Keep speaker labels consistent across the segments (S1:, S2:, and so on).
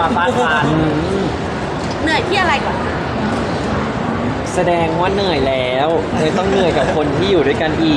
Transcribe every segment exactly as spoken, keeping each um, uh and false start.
S1: มาฟาดฟัน
S2: เหนื่อยที่อะไรก่อน
S3: แสดงว่าเหนื่อยแล้วเลยต้องเหนื่อยกับคนที่อยู่ด้วยกันอีก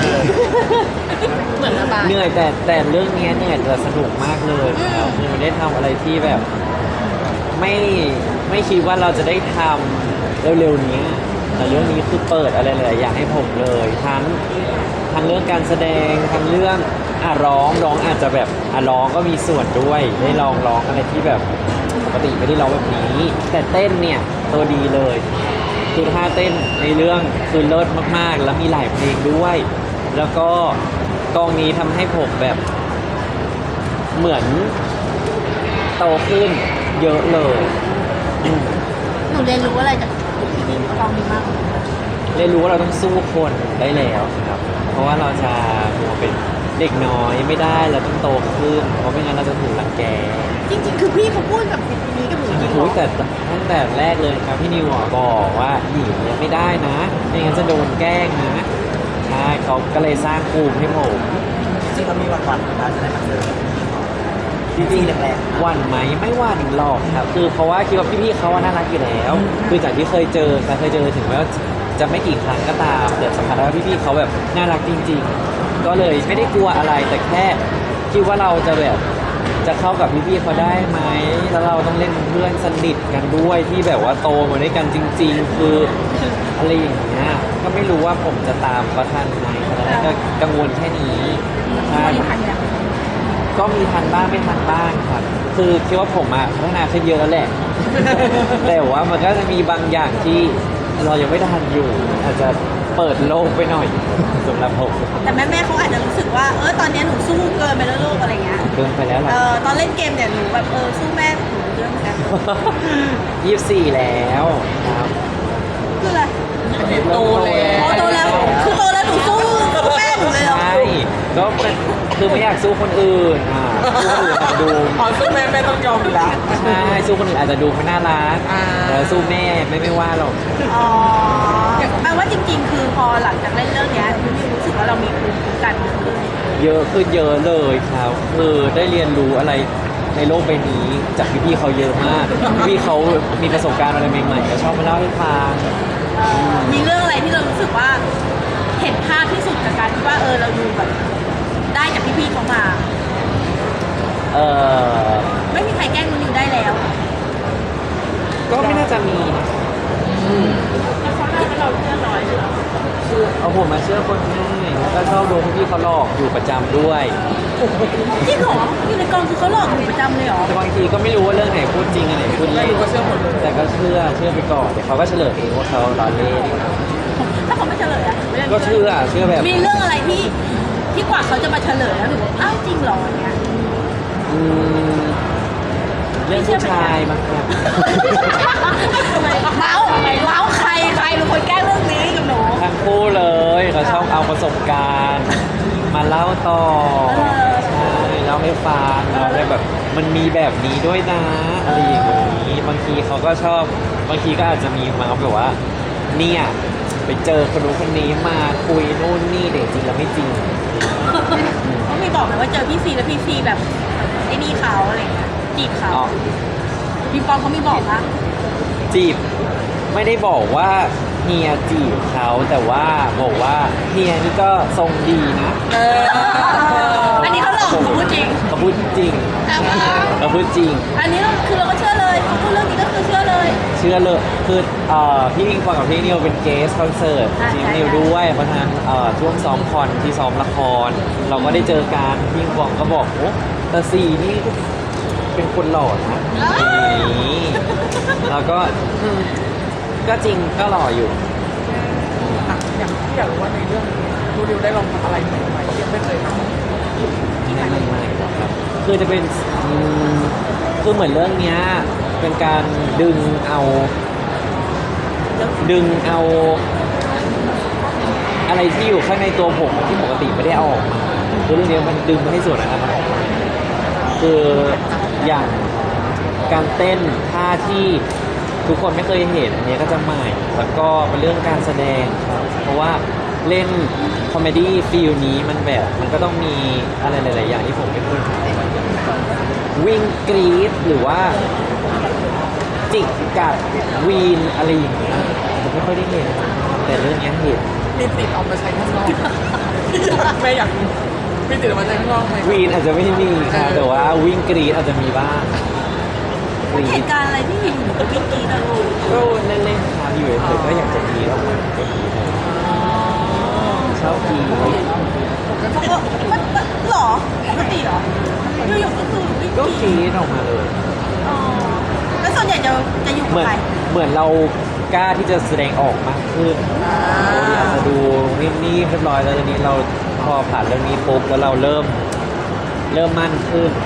S2: เหมือนระบาย
S3: เหนื่อยแต่แต่เรื่องนี้เหนื่อยแต่สนุกมากเลยครับคือมันได้ทำอะไรที่แบบ ไม่ไม่คิดว่าเราจะได้ทำเร็วๆนี้แต่เรื่องนี้คือเปิดอะไรหลายๆอย่างให้ผมเลยทั้งทั้งเรื่องการแสดงทั้งเรื่องอ่ะร้องร้องอาจจะแบบอ่ะร้องก็มีส่วนด้วยได้ลองร้องอะไรที่แบบปกติไม่ได้ร้องแบบนี้ แต่เต้นเนี่ยตัวดีเลยคือท่าเต้นในเรื่องคือเลิศมากๆ แล้วมีหลายเพลงด้วย แล้วก็กองนี้ทำให้ผมแบบ เหมือนโตขึ้นเยอะเลยอืม
S2: หนูเรียนรู้อะไรจากพี่นิ่มกองนี้มาก
S3: เรียนรู้ว่าเราต้องสู้คนได้แล้วครับ เพราะว่าเราจะมัวเป็นเด็กน้อยไม่ได้เราต้องโตขึ้น เพราะไม่งั้นเราจะถูกรังแก
S2: จริงๆ คือพี่เขาพูดกับพี่นี้กับหนูจริงเหร
S3: โอ้
S2: อย
S3: แต่ตั้งแต่แรกเลยครับพี่นิวอ่ะบอกว่าหญิงเนี่ยไม่ได้นะไม่งั้นจะโดนแกล้งนะใช่เขาก็เลยสร้างภูมิให้ผม
S1: จริงๆเขามีวันวันๆนะจะได้มาเจอจริงๆแรกๆ
S3: หวั่นไหมไม่หวั่นหรอกครับ คือเพราะว่าคิดว่าพี่ๆเขาว่าน่ารักอยู่แล้ว คือจากที่เคยเจอเคยเจอถึงแม้ว่าจะไม่กี่ครั้งก็ตามแต่สัมผัสได้ว่าพี่ๆเขาแบบน่ารักจริง ๆ ก็เลยไม่ได้กลัวอะไรแต่แค่คิดว่าเราจะแบบจะเข้ากับพี่ๆเขาได้ไหมแล้วเราต้องเล่นเป็นเพื่อนสนิทกันด้วยที่แบบว่าโตมาด้วยกันจริง ๆ คืออะไรอย่างเงี้ยก็ไม่รู้ว่าผมจะตามเขาทันไหมขนาดนั้นก็กังวลแค่นี้ใช่
S2: วันนี้ทันยัง
S3: ก็มีทันบ้างไม่ทันบ้างครับ คือคิดว่าผมอะพัฒนาขึ้นเยอะแล้วแหละ แต่ว่ามันก็จะมีบางอย่างที่เรายังไม่ทันอยู่ อาจจะเปิดโลกไปหน่อย สำหรับผม
S2: แต่แม่แม่ๆเขาอาจจะรู้สึกว่าเออตอนนี้หนูสู้เกินไปแล้วลูกอะไรเงี้ย
S3: เกินไปแล้วหรอ
S2: เออตอนเล่นเกมเนี่ยหนูแบบเออสู้แม่หนูเยอะเหมือนกัน
S3: ยี่สิบสี่แล้วครับ
S2: คืออะไร
S1: โตแล้ว
S2: อ๋อโตแล้วคือโตแล้วหนูสู้สู้แม่หนูเลยเหรอ
S3: ใช่ก็เป็นคือไม่อยากสู้คนอื่นอ่ะสู้คนอื่นอาจจะดู
S1: อ๋อซึ่งแม่แม่ต้องยอมอยู่แล้ว
S3: ใช่สู้คนอื่นอาจจะดูเขาน่ารัก
S1: อ่า
S3: แต่สู้แม่ไม่ไม่ว่าหรอก
S2: อ๋อแปลว่าจริง ๆ คือพอหลังจากเล่นเรื่องเนี้ยพี่รู้สึกว่าเรามีภูมิคุ้มกันขึ้น
S3: เยอะขึ้นเยอะเลยครับคือได้เรียนรู้อะไรในโลกใบนี้จากพี่ๆเขาเยอะมาก พี่ๆเขามีประสบการณ์อะไรใหม่ๆก็ชอบมาเล่าให้ฟัง
S2: มีเรื่องอะไรที่เรารู้สึกว่าเห็นภาพที่สุดจากการที่ว่าเออเราดูแบบได้จากพี่ๆเขามา
S3: เออ
S2: ไม่มีใครแกล้งนูนิวได้แล้ว
S3: ก็ไม่น่าจะมีนะอืม
S2: แล้วเขาได้ให้เราเชื่อน้อยหรือ
S3: เอาผมมาเชื่อคนง่ายแล้วก็ชอบโดนพี่ๆเขาหลอกอยู่ประจำด้วย
S2: จริงเหรออยู่ในกองคือเขาหลอกหนูประจำเลยเหรอ
S3: แต่บางทีก็ไม่รู้ว่าเรื่องไหนพูดจริงอันไหนพูด
S1: ไม่
S3: เล่น
S1: รู้ก็เชื่อหมดเลย
S3: แต่ก็เชื่อเชื่อไปก่อนเดี๋ยวเขาก็เฉลยเองว่าเขาล้อเล่น
S2: ถ้าเขาไม่เฉลยอะ
S3: ก็เชื่อเชื่อแบบ
S2: มีเรื่องอะไรที่ที่กว่าเขาจะมาเฉลยแล้วหนูอ้าวจริงเหรออย่างเงี้ย
S3: อืมเรื่องผู้ชายมั้งครับ
S2: เมาส์เมาส์ใครใครเป็นคนแกล้งเรื่องนี้กับหนู
S3: ทั้งคู่เลยเขาชอบเอาประสบการณ์ มาเล่าต่อ
S2: เออ
S3: ใช่เล่าให้ฟังเราได้แบบมันมีแบบนี้ด้วยนะอะไรอย่างนี้บางทีเขาก็ชอบบางทีก็อาจจะมีมาแบบว่าเนี่ยไปเจอคนนู้นคนนี้มาคุยนู่นนี่แต่จริงแล้วไม่จริง
S2: เขามีบอกไหมว่าเจอพี่ซีแล้วพี่ซีแบบไอ้นี่เขาอะไรเงี้ยจีบเขา
S3: อ๋อ
S2: พี่ปองเขามีบอกปะ
S3: จีบไม่ได้บอกว่าเฮียจีบเขาแต่ว่าบอกว่าเฮียนี่ก็ทรงดีนะ
S2: เอออันนี้เขาหลอกเขาพูดจริง
S3: เขาพูดจริงเขาพูดจริง
S2: อันนี้เราคือเราก็เชื่อเลยเขาพูดเรื่องนี้ก็คือเชื่อเลย
S3: เชื่อเลยคือเอ่อพี่พิงฟองกับพี่นิวเป็นเกสคอนเสิร์ต
S2: อ่า
S3: ทีม
S2: ใช่
S3: นิวด้วยเพราะฉะนั้นเอ่อช่วงซ้อมคอนที่ซ้อมละคร เราก็ได้เจอกันพี่พิงฟองก็บอกโอ้แต่สี่นี่เป็นคนหล่อนะอย่างนี้แล้วก็อืมก็จริงก็หล่ออยู่
S1: อ่ะอย่างที่อยากรู้ว่าในเรื่องนี้ดูดิวได้ลองทำอะไรใหม่ๆที่ยังไม่เคยทำ
S3: ที่ไม่ไม่หรอกครับ คือจะเป็นอืมคือเหมือนเรื่องเนี้ยเป็นการดึงเอา ดึงเอาอะไรที่อยู่ข้างในตัวผมที่ปกติไม่ได้เอาออกมาคือเรื่องนี้มันดึงมาให้ส่วนนั้นมันออกมาคืออย่างการเต้นท่าที่ทุกคนไม่เคยเห็นอันนี้ก็จะใหม่แล้วก็เป็นเรื่องการแสดงครับเพราะว่าเล่นคอมเมดี้ฟิลนี้มันแบบมันก็ต้องมีอะไรหลาย ๆ อย่างที่ผมไม่เคยทำอืวิ่งกรีดหรือว่าจิกกัดวีนอะไรอย่างเงี้ยผมไม่ค่อยได้เห็นแต่เรื่องเนี้ยเห็น
S1: มีติดออกมาใช้ข้างนอกแม่อยากรู้มีติดออกมาใช้ข้างนอกไหม
S3: วีนอาจจะไม่มีค่ะแต่ว่าวิ่งกรีดอาจจะมีบ้างกรี
S2: เห
S3: ด
S2: ตุการณ์อะไรที่อยู่ๆก็วิ่งกรีดอะลูก
S3: ก็เล่นๆค่ะอยู่เฉยๆก็อยากจะกรีดออกมาก็กรีดชอบกรีด
S2: เขาก็มันมันหรอปกติเหรออยู่ๆก็คือวิ่ง
S3: ก็
S2: ก
S3: ก
S2: รี
S3: รี
S2: ด
S3: ดออกมาเลย
S2: อ๋อแล้วส่วนใหญ่จะจะอยู่
S3: เห
S2: กับ
S3: มือน
S2: ใคร
S3: เหมือนเรากล้าที่จะแสดงออกมากขึ้นเราอยากจะดูนิ่มๆเรียบร้อยแล้วตอนนี้เราพอผ่านเรื่องนี้ปุ๊บแล้วเราเริ่มเริ่มมั่นขึ้น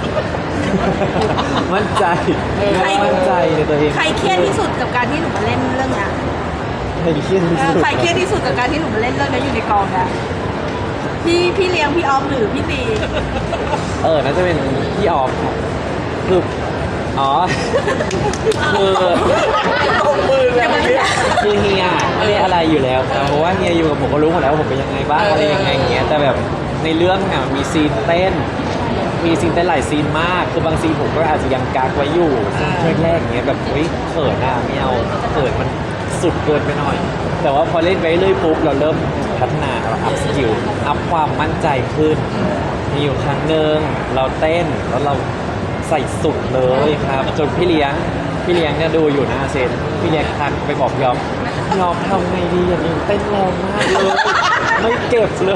S3: มั่นใจเริ่มมั่นใจในตัวเอง
S2: ใครเครียดที่สุดกับการที่หนูมาเล่นเรื่องเนี้ย
S3: ใครเครียดที่
S2: เอ
S3: สุ
S2: อ
S3: ด
S2: ใครเครียดที่สุดกับการที่หนูมาเล่นเรื่องนี้อยู่ในกองเนี่ยพี่พี่เลี้ยงพี่ออฟหรือพี่ตี
S3: เออน่าจะเป็นพี่ออฟครับคืออ๋อ คือ
S1: ลงมือเลยเมื่อกี้
S3: คือเฮียไม่ได้อะไรอยู่แล้วครับเพราะว่าเฮียอยู่กับผมก็รู้หมดแล้วว่าผมเป็นยังไงบ้างอะไรยังไงอย่างเงี้ยแต่แบบในเรื่องเนี่ยมีซีนเต้น มีซีนเต้นหลายซีนมากคือบางซีนผมก็อาจจะยังกักไว้อยู่ซีนแรกๆอย่างเงี้ยแบบเฮ้ยเขินอ่ะไม่เอาเขินมันสุดเกินไปหน่อย แต่ว่าพอเล่นไปเรื่อยปุ๊บเราเริ่มพัฒนาเราอัพสกิลอัพความมั่นใจขึ้น มีอยู่ครั้งหนึ่งเราเต้นแล้วเราใส่สุดเลยครับจนพี่เลี้ยงพี่เลี้ยงเนี่ยดูอยู่หน้าเซนพี่เลี้ยงทักไปบอกยอมยอมทำไงดีอย่างนี้เต้นแรงมากเลยไม่เก็บเลย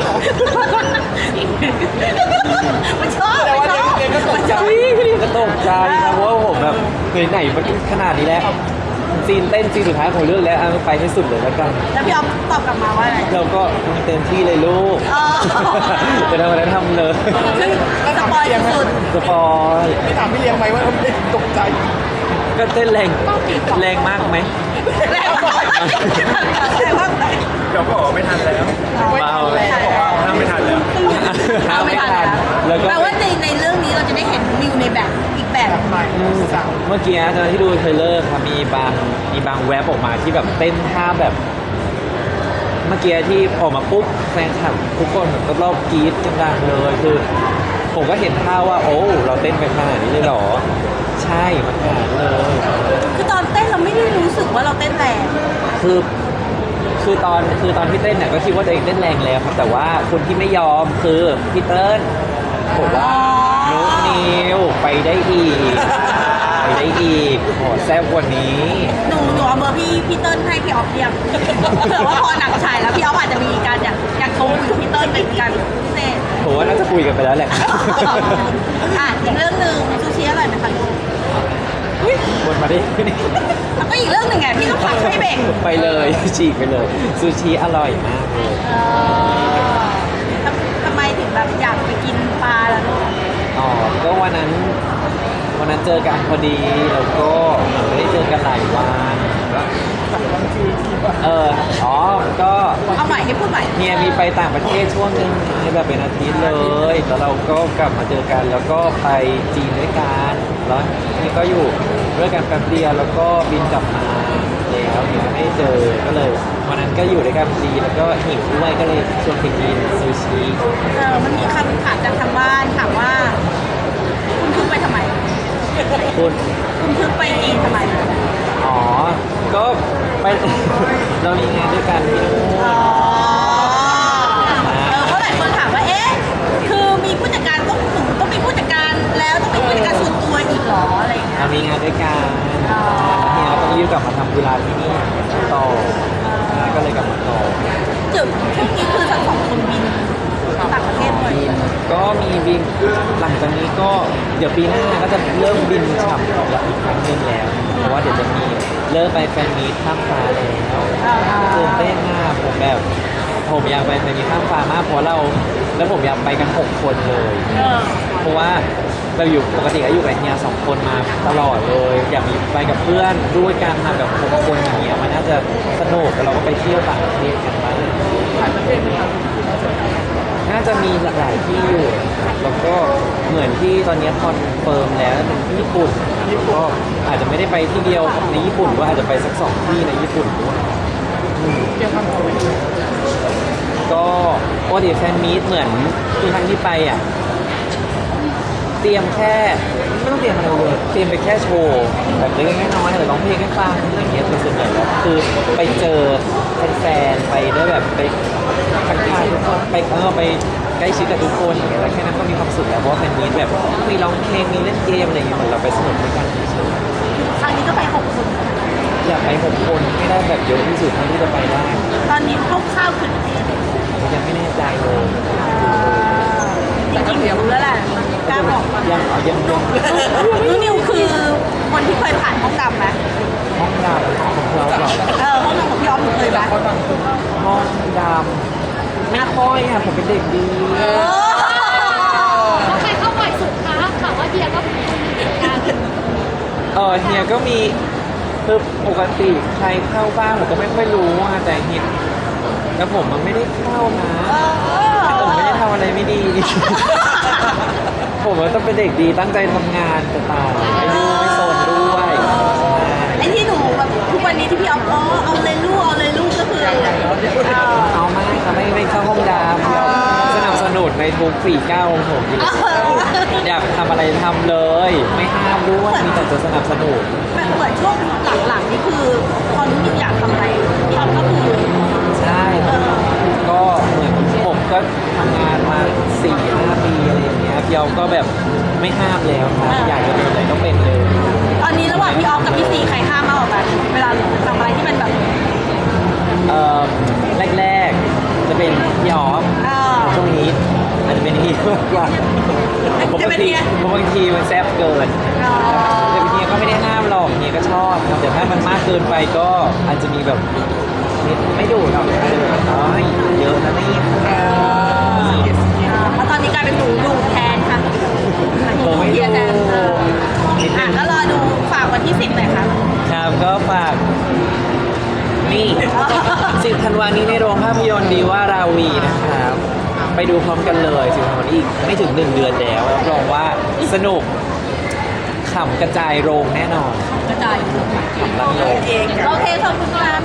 S2: มันชอบ
S1: แต่ว่า
S2: มันชอบ
S1: เด็กๆก็ตกใจ
S3: พี่พี่เลี้ยงก็ตกใจนะเพราะว่าผมแบบไหนๆมันขนาดนี้แล้วซีนเต้นซีนสุดท้ายของเรื่องแล้วเอาไปให้สุดเลยแล้วกัน
S2: แล้วพี่ออฟตอบกลับมาว่าอะไร
S3: เราก็เต็มที่เลยลูก
S2: อ๋อ
S3: จะทำอะไรทำเลย
S2: คือสปอยสุด
S3: สปอย
S1: ไม่ถามพี่เลี้ยงไหมว่าทำไมตกใจ
S3: ก็เต้นแรงแรงมากไหม
S2: แรงมากแรงมากเลย
S4: เดี๋ยวก็บอกว่าไม่ทันแล้ว
S1: ไม่ทันแล้ว
S4: บอกว่าห้ามไม่ทันแล้ว
S2: เอาไม่ทันแล้ว
S3: แล้วก็
S2: แปลว่าในในเรื่องนี้เราจะได้เห็นมิวในแบบอีกแบบ
S1: ใหม่สาว
S3: เมื่อกี้ตอนที่ดูเทรลเลอร์ครับมีบางมีบางแวบออกมาที่แบบเต้นท่าแบบ เมื่อกี้ที่ออกมาปุ๊บแฟนคลับทุกคนเหมือนก็รอบกรี๊ดกันดังเลยคือ ผมก็เห็นท่าว่า โอ้เราเต้นไปขนาดนี้เลยเหรอ ใช่มันขนาดนั้นเลย
S2: คือตอนเต้นเราไม่ได้รู้สึกว่าเราเต้นแรง
S3: คือคือตอนคือตอนที่เต้นเนี่ยก็คิดว่าตัวเองเต้นแรงแล้วครับแต่ว่าคนที่ไม่ยอมคือพี่เติ้ลบอกว่านุกนิวไปได้อีกไปได้อีกขอแซ่บกว่านี้
S2: หนูหนูเอาเบอร์พี่พี่เติ้ลให้พี่ออฟเรียกเผื่อว่าพอหนังฉายแล้วพี่ออฟอาจจะมีการอยากอยากโทรคุยกับพี่เติ้ลเป็นการพิเศษ
S3: ผมว่าน่าจะคุยกันไปแล้วแหละ
S2: อ่ะอีกเรื่องหนึ่งซูชิอร่อยไหมคะลูก
S3: วนมาดิ
S2: แล้วก็อีกเรื่องหนึ่งไงพี่ต้องพักให้เบรก
S3: ไปเลยฉีกไปเลยซูชิอร่อยมากเลย
S2: เออทำทำไมถึงแบบอยากไปกินปลาล่ะลูก
S3: อ๋อก็วันนั้นวันนั้นเจอกันพอดีแล้วก็เหมือนไม่ได้เจอกันหลายวันเอออ๋อก็
S2: เอาใหม่ให้พูดใหม่
S3: เฮียมีไปต่างประเทศช่วงหนึงแบบเป็นอาทิตย์เลยแล้วเราก็กลับมาเจอกันแล้วก็ไปจีนด้วยกันแล้วนี่ก็อยู่ด้วยกันแป๊บเดียวแล้วก็บินกลับมาแล้วเนี่ยไม่ได้เจอก็เลยวันนั้นก็อยู่ด้วยกันพอดีแล้วก็หิวด้วยก็เลยชวนไปกินซูชิ
S2: เออมันมีคำถามจากทางบ้านถามว่า คุณเพิ่งไปทำไม
S3: คุณ
S2: คุณเพิ่งไปจีนทำไม
S3: อ๋อก็ไป เรามีงานด้วยกันที่นู่น
S2: อ๋อเออเพราะหลายคนถามว่า เอ๊ะ คือมีผู้จัดการต้องหนูต้องมีผู้จัดการแล้วต้องมีผู้จัดการส่วนตัวอีกเหรออะไรอย่างเงี้ย
S3: เรามีงานด้วยกัน
S2: อ๋อ
S3: แล้วเนี่ยเราก็รีบกลับมาทำธุระที่นี่ต่อก็เลยกลับมาต่อ
S2: เดี๋ยวช่วงนี้คือทั้งสองคนบินต่างประเทศบ่อย
S3: บินก็มีบินหลังจากนี้ก็เดี๋ยวปีหน้าก็จะเริ่มบินฉ่ำออกแล้วอีกครั้งหนึงแล้ว เพราะว่าเดี๋ยวจะมีเริ่มไปแฟนมีตข้ามฟ้าแล้ว
S2: อ่า
S3: ตื่นเต้นมากผมแบบผมอยากไปแฟนมีตข้ามฟ้ามากเพราะเราแล้วผมอยากไปกันหกคนเลย
S2: เออ
S3: เพราะว่าเราอยู่ปกติก็อยู่กับเฮียสองคนมาตลอดเลย อยากมีไปกับเพื่อนด้วยกันมาแบบหกคนอย่างเงี้ยมันน่าจะสนุกแล้วเราก็ไปเที่ยวต่างประเทศกันบ้าง
S1: ต่างประเทศไหมครับ
S3: น่าจะมีหลายที่อยู่แล้วก็เหมือนที่ตอนนี้คอนเฟิร์มแล้วเป็นที่ญี่ปุ่นก็อาจจะไม่ได้ไปที่เดียวในญี่ปุ่นก็อาจจะไปสักสองที่ในญี่ปุ่นด้วยอืม
S1: เกี่ยวกับโควิด
S3: ก็ปกติแฟนมีตเหมือนทุกครั้งที่ไปอ่ะเตรียมแค่ไม่ต้องเตรียมอะไรเลยเตรียมไปแค่โชว์แบบเล็กๆน้อยๆหรือร้องเพลงให้ฟังอะไรอย่างเงี้ยแต่ส่วนใหญ่แล้วคือไปเจอแฟนๆไปได้แบบไปทักทายทุกคนไปเออไปใกล้ชิดกับทุกคนอย่างเงี้ยแล้วแค่นั้นก็มีความสุขแล้วเพราะว่าแฟนมีตแบบมีร้องเพลงมีเล่นเกมอะไรอย่างเงี้ยเหมือนเราไปสนุกด้วยกันเฉย
S2: ครั้งนี้ก็ไปหกคน
S3: ๆอยากไปหกคนให้ได้แบบเยอะที่สุดเท่าที่จะไปได้
S2: ตอนนี้คร่าวๆคือ
S3: ยังไม่แน่ใจเลย
S2: จริงๆรู้แล้วแหละกล้าบอกปะ
S3: ยังเอายังยัง
S2: รู้นิวคือคนที่เคยผ่านห้องดำไหม
S3: ห้องดำของเราเหรอ
S2: เออห้องดำของพี่ออฟหนูเคยไหม
S1: เขาดังสุด
S3: ห้องดำไม่ค่อยอ่ะผมเป็นเด็กดี
S2: เออ
S5: แล้วใครเข้าบ่อยสุดคะถามว่าเดียก็มีการ
S3: เออเฮียก็มีคือปกติใครเข้าบ้างผมก็ไม่ค่อยรู้อ่ะแต่เฮียแล้วผมมันไม่ได้เข้านะ
S2: เออ
S3: ผมไม่ได้ทำอะไรไม่ดี ผมว่าต้องเป็นเด็กดีตั้งใจทำงานแต่ตายไม่ดื้อไม่โซนด้วยใช่
S2: ไอ้ที่หนูแบบทุกวันนี้ที่พี่ออฟอ๋อเอาเลยลูกเอาเลยลูกก็คือเออ
S3: เอาไม่ค่ะไม่ไม่เข้าห้องดำเดี๋ยวสนับสนุนในทุกฝีก้าวของผมอยู่แล้วอยากทำอะไรทำเลย ไม่ห้ามด้วยมีแต่จะสนับสนุน
S2: แบบเหมือนช่วงหลังๆนี่คือพอรู้นิวอยากทำอะไรพี่ออฟก็คือ
S3: ใช่
S2: เออ
S3: ก็เหมือนผมก็ทำงานมาสี่ห้าปีอะไรอย่างเงี้ยพี่เอาก็แบบไม่ห้ามแล้วครับอยากจะเป็นอะไรก็เป็นเลย
S2: ตอนนี้ระหว่างพี่ออฟกับพี่ซีใครห้ามมากกว่ากันเวลาหนูทำอะไรที่มันแบบ
S3: เอ่อแรกๆจะเป็นพี่ออฟ
S2: เออ
S3: ช่วงนี้อาจจะเป็นเฮียมากกว่าผม
S2: จะ
S3: บาง
S2: เป็น
S3: ที
S2: เฮีย
S3: ผมบางทีมันแซ่บเกิน
S2: อ๋อ
S3: แต่เฮียก็ไม่ได้ห้ามหรอกเฮียก็ชอบครับแต่ถ้ามันมากเกินไปก็อาจจะมีแบบไม่ดูหรอกอาจจะแบบน้อยเยอะนะนี่
S2: เพราะตอนนี้กลายเป็นหนูดูแทนค่ะหนู
S3: ผมไม่
S2: เที
S3: ดู
S2: ยแทนเออ
S3: นิดนึ
S2: อ่ะ
S3: ง
S2: ก็รอดูฝากวันที่สิบหน่อยค่ะ
S3: ครับก็ฝากนี่สิบธันวานี้ในโรงภาพยนตร์ดีว่าราวีนะครับ ไปดูพร้อมกันเลยสิบธันวานี้อีกไม่ถึงหนึ่งเดือนแล้วรับรองว่าสนุกขำกระจายโรงแน่นอน
S2: กระจายอยู่
S3: ขำลังโรง
S2: เองโอเคขอบคุณค่ะ